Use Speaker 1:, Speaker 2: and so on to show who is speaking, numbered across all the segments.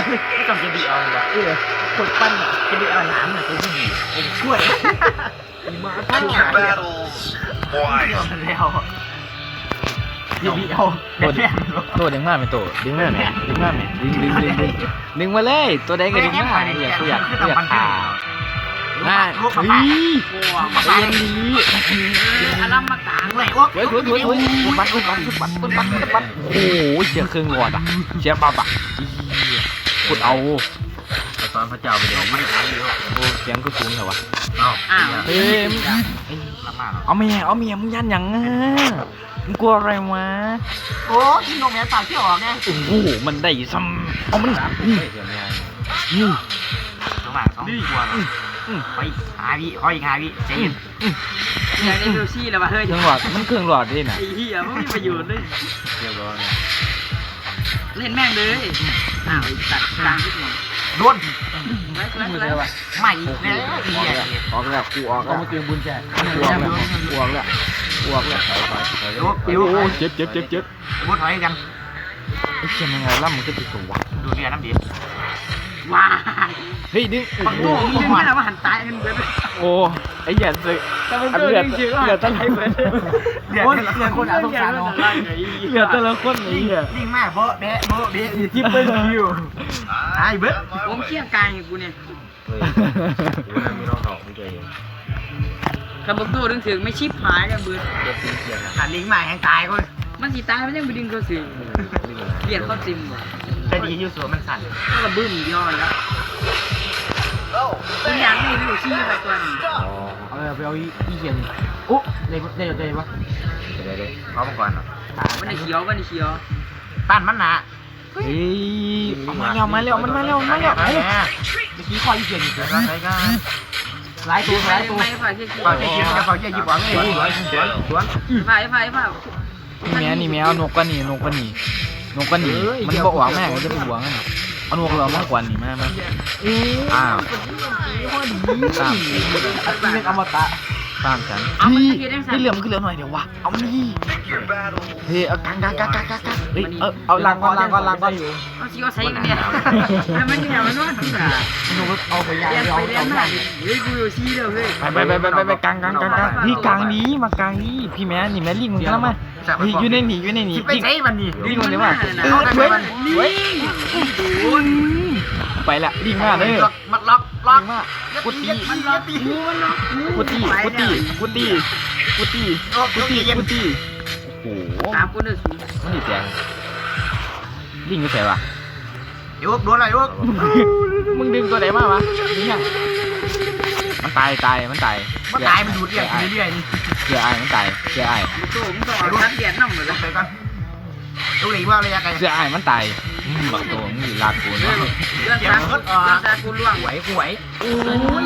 Speaker 1: ไม่ต้องจะดีเอาเลยคนปั้นจะดีเอาหลานน่ะตัวผู้หญิงผมช่วยมาตั้งหลายแล้วแล้วจะดีเอา
Speaker 2: ตัวดึงมาไหมตัวดึงมาไหมดึงมาไหมดึงมาเลยตัวใดก็ดึงมาอยากขาน่าเฮ้ยเย็นดี
Speaker 1: อารมณ์มากลางเลย
Speaker 2: เฮ้ยปัดโอ้โหเสียเครื่องหลอดอ่ะเสียปั๊บอ่ะกดเอา
Speaker 1: ตอนพระเจ้าไปเดี๋ยวไม่ได้
Speaker 2: โอ้เสียงก็สูงเหรอวะเฮ้ยเอาเมียมึงยันยังอ่ะมึงกลัวอะไรวะ
Speaker 1: โอ้ที่นมแม่ตาที่ออกไง
Speaker 2: โอ้โหมันได้ซ้ำเอามันนี่
Speaker 1: ระหว่างสองตัวไปหาพี่ขออีกหาพี่ใจเย็นอยากได้เบลซี่แล้ววะเฮ้ย
Speaker 2: เครื่องหลอดมันเครื่องหลอดด้วยนะ
Speaker 1: ไอ้เหี้ยไม่มีประโยชน์เลย
Speaker 2: เรียบร้อย
Speaker 1: เล่นแม่งเลยอ้าวตัดกลางนิดหน่อยโดนไม่แล้วแล้ว
Speaker 2: ออกแล้วกูออกแล้วเมื่อกี้บุญแจกออกแล้วโอ้เจ็บ
Speaker 1: มุดถอยกัน
Speaker 2: ไอ้เชี่ยมันไงล่ำมันก็ติดตัว
Speaker 1: ดูเรียน้ำดีว้า
Speaker 2: เฮ้ยดึง
Speaker 1: ปังโง่มึงดึงไม่ได้ว่าหันตายกันเบิด
Speaker 2: โอ้ไอ้เหี้ยสึกเลือดตะไลเบิด
Speaker 1: เลือดคนสงสารน้อง
Speaker 2: เลือดแต่ละคนไอ้เหี้ย
Speaker 1: นิ่งมากโบ๊ะเบ๊ะ
Speaker 2: ทิปเปิลคิว
Speaker 1: ไอ้เบิดผมเชี่ยงกายกูเนี่ยกระบอกโต้ถึงไม่ชิบหายกันเบิดหันลิงมาแหงตายคนมันสีตายมันยังไปดึงเขาสิเบียดเขาจิมแต่ดีอยู่ส่วนมันสั่นก็บึ้มย่อแล้วเป็นอย่างนี้ดูชี้อะไรตัวนี้
Speaker 2: ไปเอาอีเขียนโอ้ได้ปะ
Speaker 1: เอามาก่อนวันนี้เขียวต้านมันหนา
Speaker 2: เฮ้ยมาแล้วมันมาแล้วเมื่อกี้คอยอีเขียนอยู่แล้วไงกันหลายตัว
Speaker 1: ไม่ฝ่ายเชี่ยจะฝ่ายเชี่ยหยิบหวังเลยสวนฝ่าย
Speaker 2: นี่แมวนกกันนี่มันบอกหวังแม่ก็จะไปหวังกันเอานกเรามากกว่านี่มาอ้าวตาม
Speaker 1: เป็นอมตะ
Speaker 2: ตามฉันนี่เหลือหน่อยเดี๋ยววะเอานี่เฮ้ยเอากังเฮ้ยเอาล้างก่อนอยู่
Speaker 1: เอาชี้ก็ใช้กันเนี่ยมันแถวมันว่าที่น่ะ
Speaker 2: เอาไปยา
Speaker 1: เอาเฮ้ยกูอยู่ชี้เดียวเฮ้ย
Speaker 2: ไปกังพี่กังนี้มากางนี้พี่แม่นี่แม่ลิงมึงแล้วมั้ยอยู่ในนี่
Speaker 1: ไปใช้มันนี่
Speaker 2: ลิงมันเลยว่าไปละลิงมาเลย
Speaker 1: มัดล็อก
Speaker 2: มากุฏิโอ้โห
Speaker 1: ตามกูเนี่ยสูง
Speaker 2: มันดีแจงลิงก็ใส่วะ
Speaker 1: ยกโดนอะไรยก
Speaker 2: มึงดึงตัวไหนมาวะนี่มันตายมัน
Speaker 1: ดูดเรื่อย
Speaker 2: นี่เสือไอ้มันตายเสือไอ้
Speaker 1: มึงต้องเอาทัดเดียนน้ำเลยไปกันดูดิว่าอะไรยังไง
Speaker 2: เสือไอ้มันตายบักตัวมึงลากกูนะ
Speaker 1: เรื่องการกูล่วงไหวโอ้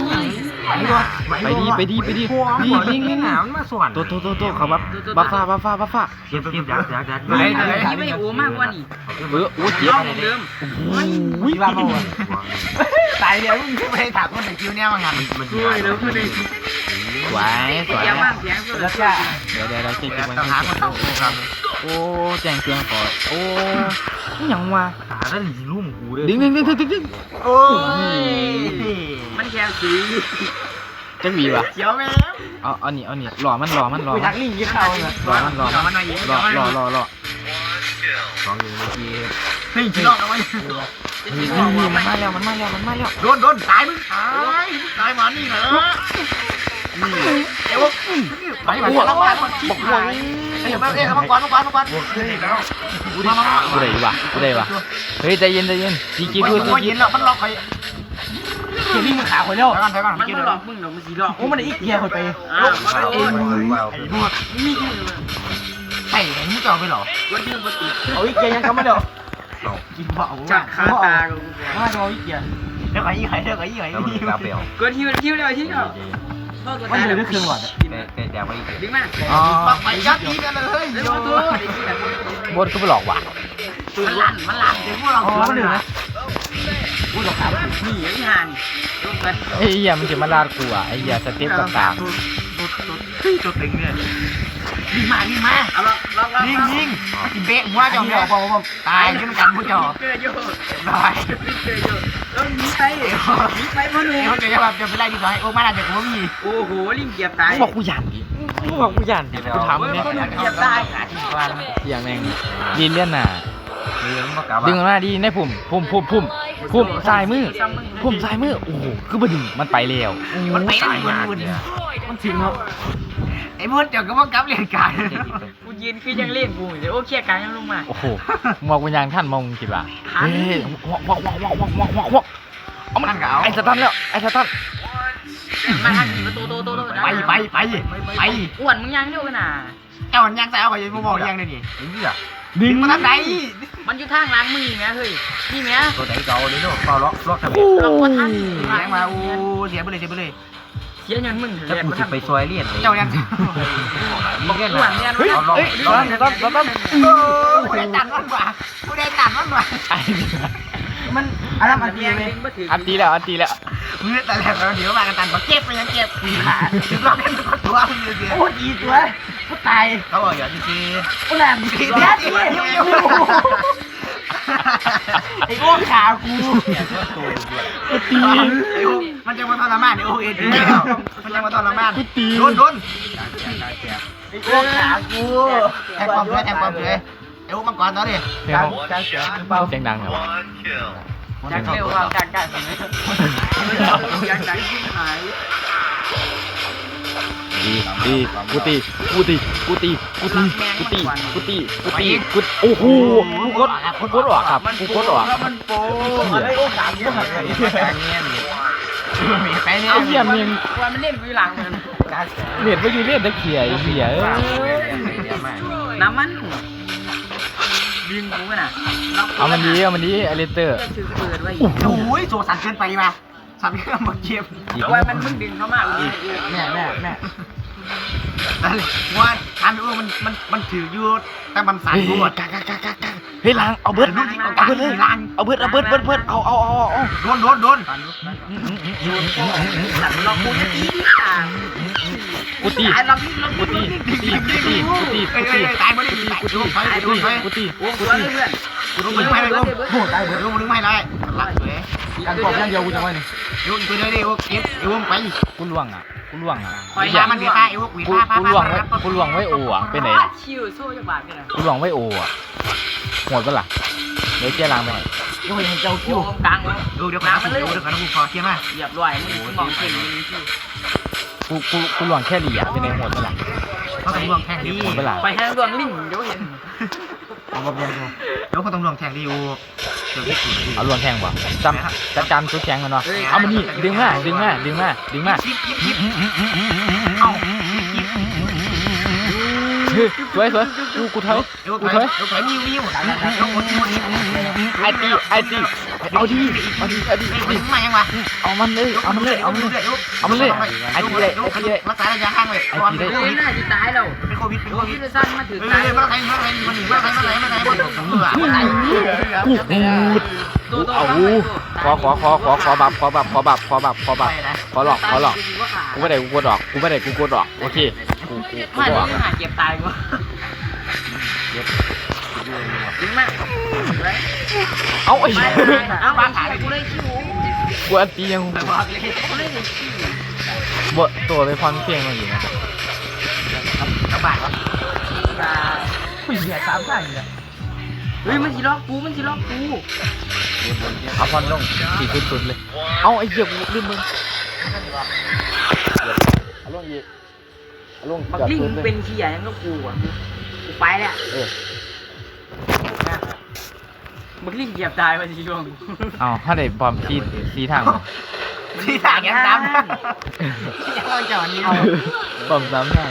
Speaker 2: ยไปดีลิง
Speaker 1: หนาวมาส่วน
Speaker 2: ตัวเขาบัฟฟ้า
Speaker 1: เก็บอยากไม่โอ้มากกว่านี่
Speaker 2: โอ้เจ็บ
Speaker 1: เดิมว่ามาตายเดี๋ยวมึงไปถามคนไหนคิวเนี่ยว่างานมันช่วยแล้วคือดี
Speaker 2: สวย
Speaker 1: แล้วก็
Speaker 2: เดี๋ยวเช็ค
Speaker 1: ต้องหาคนต้องครับ
Speaker 2: โอ้แจ้งเตือนก่อนโอ้ยังวะ
Speaker 1: หาได้หลีลุ่มกูเลย
Speaker 2: ดึง
Speaker 1: โอ้ยมันแค่สี
Speaker 2: จะมีวะ
Speaker 1: เขียวแม่
Speaker 2: เอานี่หล่อมัน
Speaker 1: ไปทักลิงยี่เขาเลย
Speaker 2: รอมัน
Speaker 1: รอลองอยู่เมื่อกี้เฮ้ยลองเอาไว้
Speaker 2: มันมาแล้ว
Speaker 1: โดนตายมึงตายมานี่เหรอเอ้วไปมาแล้วบอกว่าเอ้ยมาก่อน
Speaker 2: กูได้วะเฮ้ยใจเย็นพี่กิ๊บดู
Speaker 1: สิเย็นแล้วมันล็อกใครเกียร์นี่มึงขาคนเดียวมันหลอกมึงหรอกมึงสีหลอกโอ้มันอีกเกียร์คนไปไอ้พวกนี่ไอ้มึงจะเอาไปหรอเอาอีกเกียร์ยังทำไม่ได้กินเบาจากขาตากูว่าจะเอาอีกเกียร์เดี๋ยวไอ้เกิดฮิวเลยที่เขา
Speaker 2: มันอยู่ด้วยเครื่องวัด
Speaker 1: แต่ไปดึงมาปักไปยัดอีกันเลยโย
Speaker 2: บดก็ไปหลอกว่ะ
Speaker 1: มันหลั่นเดี๋ยวพวกเราถือมันนะพูดหรอกครับนี่ไอ้ห่าน
Speaker 2: ไอ้เหี้ยมันจะมาลาดกูอ่ะไอ้เหี้ยสเต็ปต่าง
Speaker 1: ๆตัวตึงเนี่ยยิงมาเอายิงกินเบะหัวจอมเดียวผมตายที่มันกันผู้จอเกิดอยู่ลอยแล้วหนีไปพ่อหนุ่มเขาจะแบบจะไปไล่ที่สองให้โอ้มาแล้วจะกูมีโอ้โหลิงเกียบตาย
Speaker 2: บอกกูยันดิบอกกูยันดิกูถามเนี่ย
Speaker 1: เกียบตาย
Speaker 2: อย่างแม่งยินเลี่ยนหน่ะดึงมาดีในพุ่มสายมือโอ้โหคือบ่ดึงมันไปแล้ว
Speaker 1: มันไปได้มันถึงครับไอ้พวกเดี๋ยวก็ว่ากลับเรียนการกูยืนคือยังเล่นกูเดี๋ยวโอ้เครียดการยังลงมา
Speaker 2: โอ้โหบอกวิญญาณขั้นมองคิดว่าเฮ้ยวักเอามันไอ้สตันแล้วไอ้สตัน
Speaker 1: มาทางนี้มาโตไปอ้วนมึงยังเร็วขนาดเจ้ายังใส่เอาไปยังมึงบอกยังเลยนี่ดึงมาทางไหนมันอยู่ทางล้างมือแม่เฮ้ยนี่แม่
Speaker 3: ตัวไหนเก่าเลยเนาะเปล่าล็อกทำไม
Speaker 1: ล็อกว่าท่านแรงมาอู้เสียไปเลยเสียเงินมึง
Speaker 3: ถ้ากูจะไปซอยเลียน
Speaker 1: เจ้ายัง
Speaker 3: มีเงี้ยนะ
Speaker 2: เฮ้ยสตัน
Speaker 1: กูได้ตันวันกว่ามันอะไรมันตีเลย
Speaker 2: อันตีแล้ว
Speaker 1: มือแต่แรกเราเดี๋ยวมากันตันมาเก็บไปยังเก็บขาเราเป็นตัวมึงเสียโอ้ยตัวกูตาย
Speaker 3: เขาบอกอย่าที
Speaker 1: กูแหลมทีเดียวไอ้โอ้ขากูตีมันจะมาทรมานไอ้โอเอ็นมันจะมาทรมานโดนไอ้โอ้ขากูแทงความเผยไอ้โอ้มังกรตอนนี้
Speaker 2: เสียงดังเหรอ
Speaker 1: จังเร็วว่าการทำไมยังไหนยิ่งหาย
Speaker 2: ดีกูตีโอ้โหกูกดออกครับกูกดออก
Speaker 1: มันโป้อะไรโอ้ขากูหักไปเนี่ยไปเนี่ย
Speaker 2: เหี้ยมึง
Speaker 1: ว่ามันเล่นวิหลังมัน
Speaker 2: เล่นไปอยู่เล่นตะเขียไอ้เหี้ย
Speaker 1: น้ำมันดึงกูน่ะ
Speaker 2: เอามันดีไอเลเตอร์
Speaker 1: โอ้ยโซสั่นเกินไปมาสั่นเกินหมดเจ็บเอาไว้มันมึงดึงเข้ามาแม่นั่นเลยว่าทำดูมันถืออยู่แต่มันสั่นกู
Speaker 2: กเฮ้ยล้างเอาเบิร์ดเลยเอาเบิร์ดเอา
Speaker 1: โดนเรากูจะตีตายไม่ได้กูตีโอ้โหเพื่อนกูต้องไม่ได้โอ้ตายเบิร์ดมึงไม่ได้หลักเลย
Speaker 2: การกอบย่างเดียวกูจะไว้นี่
Speaker 1: ยุ่งตัวเดียวดิโอ้เก็บไอ้วงไป
Speaker 2: กูล่วง
Speaker 1: คอยมันเบียดตายไอ้วง
Speaker 2: กูล่วงไว้โอ่ะเป็นไหน
Speaker 1: ชิวโซ่จังหวะกัน
Speaker 2: กูล่วงไว้โอ่ะหมดปะล่ะเดี๋ยวเจ๊ล้างไป
Speaker 1: ยังไม่เจ้าคิวกลางเดี๋ยวก่อนนะกูขอเทียมมาเหยียบรอยมึงมองเห็น
Speaker 2: กูล่วงแค่เหลี่ยเป็นไหนหมดปะล่ะ
Speaker 1: เขาต้องล่วงแทงดีไปแทงล่วงลิ่งเดี๋ยวเห็น
Speaker 3: เอาแบบนี้เดี๋ยวเขาต้องล่วงแทงดีอู
Speaker 2: เอาล่วงแทงป่ะจัดการชุดแข็งกันวะเอามันนี่ดึงมาสวยกูถอย
Speaker 1: วิว
Speaker 2: ไอตีเอาดี
Speaker 1: มายังวะ
Speaker 2: เอามันเลยไอตีเลย
Speaker 1: รักษาระยะห่างเลยก่อนเลยน่าจะตายแล้วเป็นโควิดสั้นมาถึงตายมาไหนมันหนีมาไหน
Speaker 2: ขอบับขอหลอกกูไม่ได้กูกดออกโอเคกูออก
Speaker 1: เก็บตายกูจริงมาก
Speaker 2: เอาไอ้
Speaker 1: เอาวางขาเลยกูเลยชิว
Speaker 2: กูอันตียังบ่ตัวไปฟังเพียงมาอยู่นะ
Speaker 1: กระบาดผู้หญิงสามท่านเลยเฮ้ยมันจีล็อกกู
Speaker 2: เอาฟันลงสี่สุดเลยเอาไอ้เหี้ยกูลืมมึงเอาลงอีก
Speaker 1: บักลิ่งเป็นเขี้ยยังก็กูอ่ะกูไปแล้วบักลิ่งเหยียบตายมาทีช่วง
Speaker 2: เอาถ้าได้บอมทีทาง
Speaker 1: ยังตามยังเราจอดนี่
Speaker 2: บอมซ้ำทาง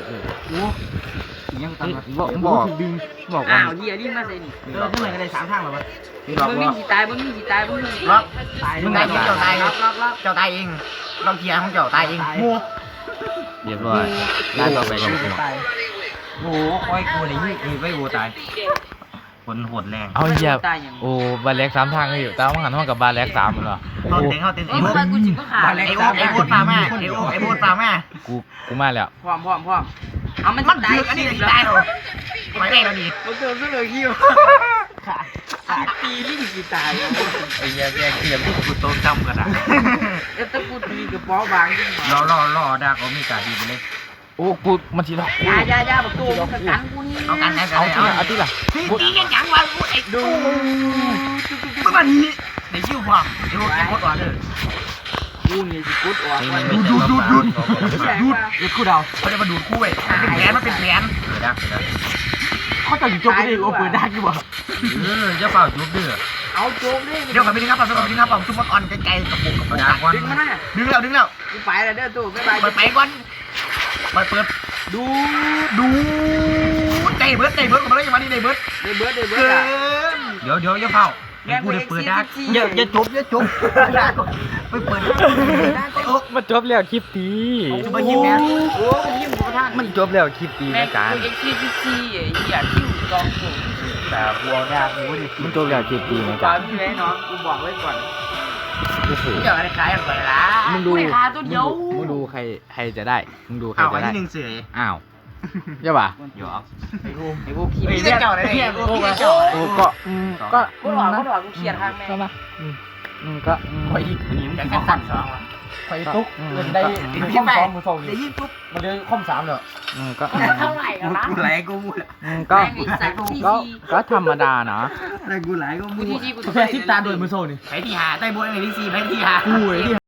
Speaker 1: ยังตาม
Speaker 2: บอก
Speaker 1: อ้าวเหี้ยลิ่งมาใส่นี่ขึ้นมากันเลย3ทางหรอวะมึงมีตายมึงล็อกมึงตายเจ้าตายเจ้าตายเองเราเกียร์ของเจ้าตายเองมู
Speaker 2: เรียบร้อยน่าต่อไปกัน
Speaker 3: โอ้คอยกูเลยไม่โวตายคนโหดแรง
Speaker 2: เอาเหยียบโอ้บาเล็ก3ทางก็อยู่แต่ว่าหันมากับบาเล็ก3มันเหรอ
Speaker 3: เขาเต็ม
Speaker 1: ไอ้โบ๊ทปามากู
Speaker 2: มาแล้ว
Speaker 1: พร้อม
Speaker 4: เอามัน
Speaker 1: มันถืออันนี้ตายเลยไปได้แล้วนี่
Speaker 4: มันเกิดเรื่องคิวตีลิงกี่ตาย
Speaker 3: ไอ้แย่แย่เกียมที่กูโตจำกันอ่ะ
Speaker 4: เอฟตะกูตีกับป้อบางยิ่ง
Speaker 3: รอดาเขามีการดีไปเลย
Speaker 2: โอ้กูมันทีละ
Speaker 4: ยาประตูมันกันกูนี่
Speaker 1: เอากันนะ
Speaker 2: เอาทีละเอาทีละ
Speaker 1: ตีกันยังวะกูไอ้ดูมึงมาดีในชิวฟังเดี๋ยวกูกดก่อนเลย
Speaker 4: กูนี่สิกุดออกว่า
Speaker 1: เด็ดคู่เดาเขาจะมาดูดคู่เว้ยเป็นแผนมันเป็นแผน
Speaker 3: ดัก
Speaker 1: เขาจะจบไปเองโอ้เปิดได้กี่บ่
Speaker 3: จะเป่าจุ๊บดื้อ
Speaker 4: เอาโจ๊กดิ
Speaker 1: เดี๋ยวก่อนไปดึงครับผมไปดึงครับผมซุปเปอร์ออนไกลๆกับผมกับ
Speaker 3: ดักวัน
Speaker 4: ดึงมาหน้า
Speaker 1: ดึงแล้วดึงแล้ว
Speaker 4: กูไปแล้วเด้อตู้บ๊ายบาย
Speaker 1: ไปก่อนเปิดดูใจเบิร์ดของมันเลยมาดิในเบิร์ด
Speaker 4: ได้เบิร์ด
Speaker 1: เกิ
Speaker 4: น
Speaker 1: น
Speaker 3: เดี๋ยวอย่าเป่ากูได้เปิดดัก
Speaker 2: อย่าจบ
Speaker 1: ไปเปิด
Speaker 2: มันจบแล้วคลิปตี
Speaker 1: ซุปเปอร์ยิมเนี่ย
Speaker 4: โอ้ยยิ้มกูท่าน
Speaker 2: มันจบแล้วคลิปตี
Speaker 4: แม่
Speaker 2: นะการ
Speaker 4: กูเอ็กซ์ซีไอ้เหี้ยคิวกองกู
Speaker 3: แต่วัวดักกูดิ
Speaker 2: มันจบแล้วคลิปตีนะ
Speaker 4: ก่อ
Speaker 2: กาน ร
Speaker 4: พี่แม่น้องกูบอกไว้ก่อน
Speaker 2: โอ้โห
Speaker 1: เดี๋ยวอะไรขายอะไรล่ะ
Speaker 2: มึงดู
Speaker 4: กูได้ขาตัวเดียว
Speaker 2: มึงดูใครจะได้มึงดูใคร
Speaker 1: เอา
Speaker 2: จะ
Speaker 1: ไว้
Speaker 2: ได้
Speaker 1: ที่หนึ่งเสือ
Speaker 2: อ้าวใช่ป่ะ
Speaker 3: หยอก
Speaker 4: ไอ้พวกขี้
Speaker 1: เรียกเจ้าอะไรเนี่ยเรียกเจ้า
Speaker 2: โอ้ก็ก็
Speaker 4: กูหลอกกูเครียดทางแม่
Speaker 2: ก็มาก็
Speaker 1: คอยอีก
Speaker 3: อันนี้มัน
Speaker 1: แต่
Speaker 3: กิน
Speaker 1: ขั้
Speaker 3: ข้าน ว
Speaker 1: สอง
Speaker 5: ไฟตุ๊กเล่นได้ข้อมสองมือสอง
Speaker 1: ได้ยินปุ๊บ
Speaker 5: มันจะข้อมสามเนอะ
Speaker 2: ก็
Speaker 4: เท่าไหร่กันล่ะ
Speaker 3: กูไหลกูมูด
Speaker 2: ก็
Speaker 4: แม่งไอ้สัตว์ที่
Speaker 2: ก็ธรรมดานะ
Speaker 3: อะไรกูไหลกู
Speaker 4: กู
Speaker 3: มูด
Speaker 4: ที่กู
Speaker 5: แค่ซิปตาโดยมือโซ่นี่
Speaker 1: ไปที่หาใต้บัวไอ้ที่สี่ไปที่หา
Speaker 5: กูไอ้ที่